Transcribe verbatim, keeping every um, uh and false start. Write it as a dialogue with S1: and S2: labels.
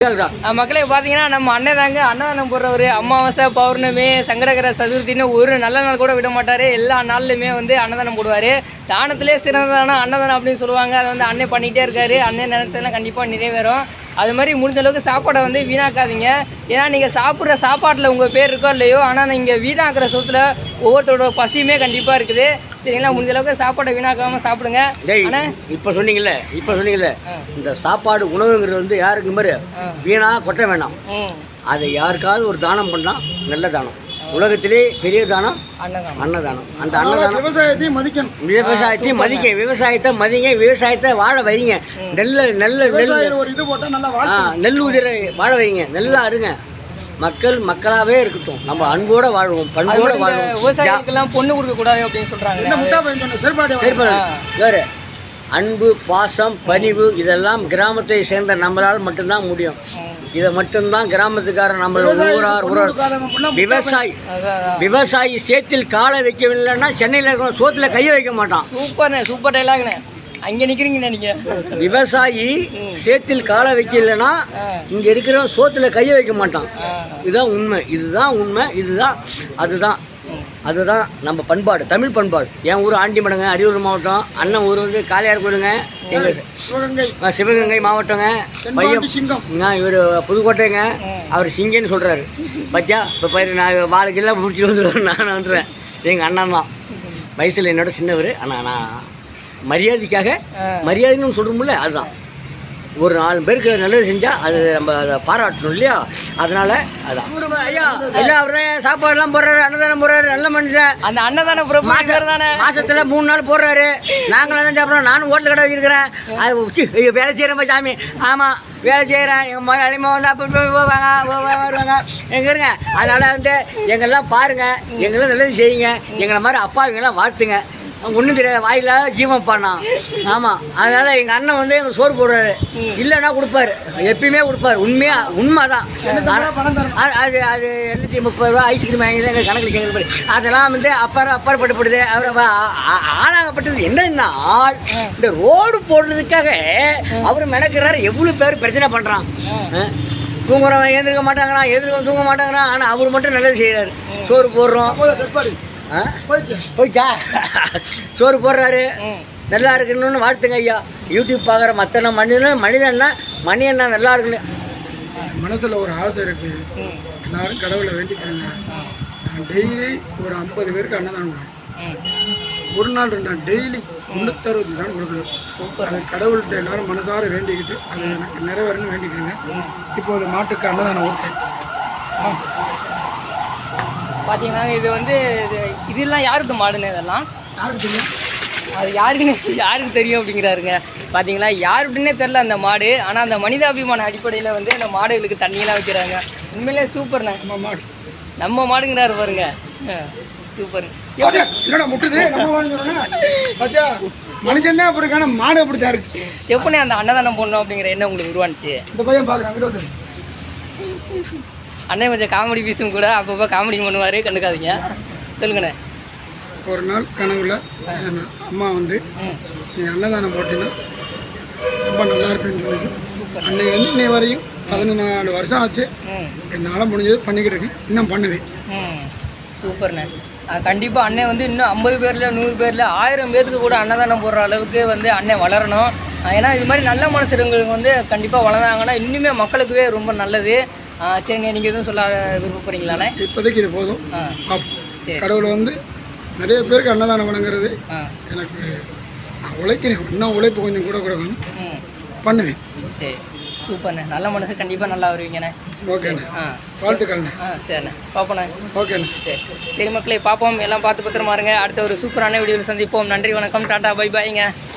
S1: மக்களே பார்த்தீங்கன்னா நம்ம அண்ணன் தாங்க அன்னதானம் போடுறவர். அமாவாசை பௌர்ணமி சங்கடகர சதுர்த்தின்னு ஒரு நல்ல நாள் கூட விட மாட்டார். எல்லா நாள்லையுமே வந்து அன்னதானம் போடுவார். தானத்திலே சிறந்ததான அன்னதானம் அப்படின்னு சொல்லுவாங்க. அதை வந்து அண்ணன் பண்ணிகிட்டே இருக்காரு. அண்ணன் நினச்சதெல்லாம் கண்டிப்பாக நிறைவேறும். அது மாதிரி முடிஞ்ச அளவுக்கு சாப்பாடை வந்து வீணாக்காதீங்க. ஏன்னா நீங்கள் சாப்பிட்ற சாப்பாட்டில் உங்கள் பேர் இருக்கோ இல்லையோ, ஆனால் நீங்கள் வீணாக்குற சொத்துல ஒவ்வொருத்தரோட பசியுமே கண்டிப்பாக இருக்குது. சரிங்களா? முடிஞ்ச அளவுக்கு சாப்பாடை வீணாக்காமல் சாப்பிடுங்க. ஆனால்
S2: இப்போ சொன்னீங்கல்ல இப்போ சொன்னீங்கல்ல இந்த சாப்பாடு உணவுங்கிறது வந்து யாருக்கு மாதிரி வீணா கொட்ட வேணாம். அதை யாருக்காவது ஒரு தானம் பண்ணால் நல்ல தானம். உலகத்திலே பெரிய தானம் அன்னதானம். அந்த அன்னதானம்
S3: விவசாயத்தையும் மதிக்கணும்.
S2: விவசாயத்தையும் மதிக்க விவசாயத்தை மதிங்க. விவசாயத்தை வாழ வைங்க. நெல்ல நெல்ல நெல்
S3: ஒரு இது போட்டால் நல்லா
S2: நெல் உதிரை வாழ வைங்க. நல்லா இருங்க. மக்கள் மக்களாகவே இருக்கட்டும். நம்ம அன்போட வாழ்வோம், பண்போட வாழ்வோம்.
S1: விவசாயிகளுக்கெல்லாம் பொண்ணு கொடுக்க கூடாது அப்படின்னு சொல்றாங்க.
S2: வேறு அன்பு பாசம் பணிவு இதெல்லாம் கிராமத்தை சேர்ந்த நம்மளால் மட்டும்தான் முடியும். இதை மட்டும்தான் கிராமத்துக்காரன் நம்ம ஊரார் ஊரார் விவசாயி விவசாயி சேத்தில் காலை வைக்கவில்லைன்னா சென்னையில் இருக்கிற சோத்துல கையை வைக்க மாட்டான்.
S1: சூப்பர் சூப்பர் டைலாக்ண்ணே. அங்கே நிற்கிறீங்கண்ணே நீங்கள்.
S2: விவசாயி சேத்தில் காலை வைக்கலைன்னா இங்கே இருக்கிற சோத்துல கையை வைக்க மாட்டான். இதுதான் உண்மை. இதுதான் உண்மை. இதுதான் அதுதான் அதுதான் நம்ம பண்பாடு, தமிழ் பண்பாடு. என் ஊர் ஆண்டிமடங்க, அரியலூர் மாவட்டம். அண்ணன் ஊர் வந்து காளையார் கோயிலுங்க. எங்கள் சிவகங்கை மாவட்டங்க. பையன் இவர் புதுக்கோட்டைங்க. அவர் சிங்கன்னு சொல்கிறாரு. பத்தியா இப்போ பயிர் நான் வாழ்க்கையெல்லாம் முடிச்சுட்டு வந்துடுவேன். நான் வந்துடுவேன். எங்கள் அண்ணன் தான் வயசில் என்னோட சின்னவர். ஆனால் நான் மரியாதைக்காக மரியாதைன்னு சொல்கிறோம்ல, அதுதான். ஒரு நாலு பேருக்கு நல்லது செஞ்சால் அது நம்ம அதை பாராட்டணும் இல்லையா? அதனால் அதான் ஐயா இல்லை அவர் தான் சாப்பாடுலாம் போடுறாரு, அன்னதானம் போடுறாரு. நல்ல மனுஷன்.
S1: அந்த அன்னதான தானே
S2: மாதத்தில் மூணு நாள் போடுறாரு. நாங்களும் தான் சாப்பிட்றோம். நானும் ஹோட்டல் கடை வச்சுருக்கிறேன். அது வேலை செய்கிறேன் சாமி. ஆமாம் வேலை செய்கிறேன். எங்கள் மொழி அழிமா வந்து அப்போ போவாங்க வருவாங்க எங்கே இருங்க. அதனால் வந்து எங்கெல்லாம் பாருங்கள், எங்கெல்லாம் நல்லது செய்யுங்க. எங்களை மாதிரி அப்பா இவங்கெல்லாம் வாழ்த்துங்க. ஒன்றும் தெரியாது, வாயில ஜீவம் பண்ணான். ஆமாம், அதனால் எங்கள் அண்ணன் வந்து எங்களுக்கு சோறு போடுறாரு. இல்லைன்னா கொடுப்பாரு, எப்பயுமே கொடுப்பாரு. உண்மையாக உண்மை தான். அது அது எண்ணூற்றி முப்பது ரூபா ஐஸ்கிரீம் வாங்கி தான் எங்கள் கணக்கில் சேர்ந்து. அதெல்லாம் வந்து அப்பாறு அப்பாற்பட்டுப்படுது. அவர் ஆளாகப்பட்டது என்னன்னா, இந்த ரோடு போடுறதுக்காக அவர் மெனக்கிறாரு. எவ்வளோ பேர் பிரச்சனை பண்ணுறான். தூங்குறவன் எழுந்திருக்க மாட்டாங்கிறான், எதிர்க்க தூங்க மாட்டாங்கிறான். ஆனால் அவர் மட்டும் நல்லது செய்கிறாரு. சோறு போடுறோம். போய்ச்சா சோறு போடுறாரு. நல்லா இருக்கணும்னு வாழ்த்துங்க ஐயா. யூடியூப் பார்க்குற மற்ற மனிதன் மனிதன்னா மணி என்ன நல்லா இருக்குன்னு
S3: மனசில் ஒரு ஆசை இருக்குது. எல்லாரும் கடவுளை வேண்டிக்கிறேங்க. நான் டெய்லி ஒரு ஐம்பது பேருக்கு அன்னதானம் கொடுக்கணும். ஒரு நாள் ரெண்டு நாள் டெய்லி முந்நூற்றறுபது நாள் கொடுக்கணும். அது கடவுள்கிட்ட எல்லாரும் மனசார வேண்டிக்கிட்டு அது எனக்கு நிறைவேறணும்னு வேண்டிக்கிறேங்க. இப்போ ஒரு மாட்டுக்கு அன்னதானம் ஊற்றுறேன்.
S1: பார்த்தீங்கன்னா இது வந்து இது இதெல்லாம் யாருக்கு மாடுன்னு இதெல்லாம்
S3: யாருக்கு தெரியும்?
S1: அது யாருக்குன்னு யாருக்கு தெரியும் அப்படிங்கிறாருங்க. பார்த்தீங்களா, யாருக்குன்னே தெரில அந்த மாடு. ஆனால் அந்த மனிதாபிமான அடிப்படையில் வந்து அந்த மாடுகளுக்கு தண்ணியெல்லாம் வைக்கிறாங்க. உண்மையிலே சூப்பர்ண்ணே.
S3: நம்ம மாடு
S1: நம்ம மாடுங்கிறாரு பாருங்க. சூப்பர்.
S3: என்னடா முட்டுது பத்தியா மனுஷன் தான் அப்படி இருக்கான மாடு அப்படி தான் இருக்கு.
S1: எப்படிண்ணே அந்த அன்னதானம் போடணும் அப்படிங்கிற எண்ணம் உங்களுக்கு உருவானுச்சு?
S3: இந்த பையன் பார்க்குறாங்க.
S1: அண்ணன் கொஞ்சம் காமெடி பீஸும் கூட அப்பப்போ காமெடி பண்ணுவார், கண்டுக்காதீங்க. சொல்லுங்கண்ணே.
S3: ஒரு நாள் கனவுல அம்மா வந்து நீ அன்னதானம் போட்டீங்கன்னா ரொம்ப நல்லா இருப்பேன்னு சொல்லி அன்னையிலேருந்து இன்னை வரையும் பதினொன்று நாலு வருஷம் ஆச்சு. என்னால் முடிஞ்சது பண்ணிக்கிட்டு இருக்கேன். இன்னும் பண்ணுவேன்.
S1: சூப்பர்ண்ணே. கண்டிப்பாக அண்ணன் வந்து இன்னும் ஐம்பது பேரில் நூறு பேரில் ஆயிரம் பேருக்கு கூட அன்னதானம் போடுற அளவுக்கு வந்து அண்ணன் வளரணும். ஏன்னா இது மாதிரி நல்ல மனுஷங்களுக்கு வந்து கண்டிப்பாக வளர்ந்தாங்கன்னா இன்னுமே மக்களுக்குவே ரொம்ப நல்லது. சரிங்க, நீங்கள் எதுவும் சொல்ல விருப்பப்படுறீங்களாண்ணே?
S3: இப்போதைக்கு இது போதும். கடவுளை வந்து நிறைய பேருக்கு அன்னதானம் வழங்குறது எனக்கு நான் உழைக்கிறேன். இன்னும் உழைப்பு கொஞ்சம் கூட கொடுக்கணும், பண்ணுவேன்.
S1: சரி, சூப்பர்ண்ணே. நல்ல மனசு கண்டிப்பாக நல்லா வருவீங்கண்ணே.
S3: ஓகேண்ணே, வாழ்த்துக்கள்ண்ணே.
S1: ஆ சரிண்ணே, பார்ப்போண்ணே.
S3: ஓகேண்ணே,
S1: சரி சரி மக்களே, பார்ப்போம். எல்லாம் பார்த்து பத்திரமா இருங்க. அடுத்த ஒரு சூப்பரான வீடியோவில் சந்திப்போம். நன்றி, வணக்கம், டாட்டா, பை பாய்ங்க.